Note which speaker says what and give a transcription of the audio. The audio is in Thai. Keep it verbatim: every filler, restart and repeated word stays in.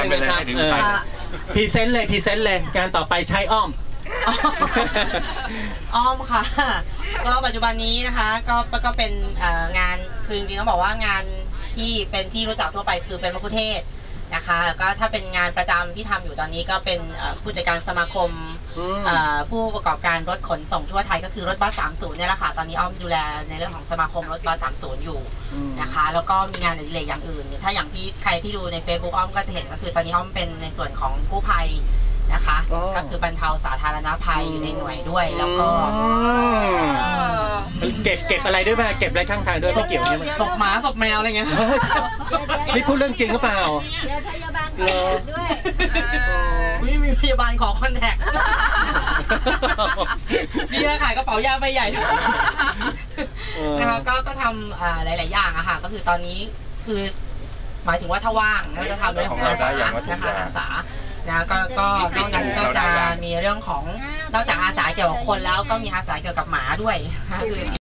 Speaker 1: งนะครับพรีเซนต์เลยพรีเซนต์เลยงานต่อไปใช้อ้อม
Speaker 2: อ้อมค่ะก็ปัจจุบันนี้นะคะก็ก็เป็นงานคือจริงๆต้องบอกว่างานที่เป็นที่รู้จักทั่วไปคือเป็นมะคุเทศนะคะแล้วก็ถ้าเป็นงานประจำที่ทำอยู่ตอนนี้ก็เป็นผู้จัดการสมาคมผู้ประกอบการรถขนส่งทั่วไทยก็คือรถบัสสามสิบเนี่ยแหละค่ะตอนนี้อ้อมดูแลในเรื่องของสมาคมรถบัสสามสิบอยู่นะคะแล้วก็มีงานอื่นๆอย่างอื่นถ้าอย่างที่ใครที่ดูใน Facebook อ้อมก็จะเห็นก็คือตอนนี้อ้อมเป็นในส่วนของกู้ภัยนะคะก็คือบรรเทาสาธารณภัยอยู่ในหน่วยด้วยแล้วก็
Speaker 1: เก็บเก็บอะไรด้วยไหมเก็บอะไรข้างทางด้วยไม่เกี่ยวใช่ไหม
Speaker 2: ศพหมาศพแมวอะไรเงี้ย
Speaker 1: นี่พูดเรื่องจริงหรือเปล่า
Speaker 3: เดี๋ยวพยาบาลด้วย
Speaker 2: ไม่มีพยาบาลขอคอนแทคดีนะขายกระเป๋ายาใบใหญ่นะคะก็ก็ทำหลายๆอย่างอะค่ะก็คือตอนนี้คือหมายถึงว่าถ้าว่างก็จะทำเรื่องของอาสานะคะอาสานะก็ก็นอกจากก็จะมีเรื่องของนอกจากอาสาเกี่ยวกับคนแล้วก็มีอาสาเกี่ยวกับหมาด้วย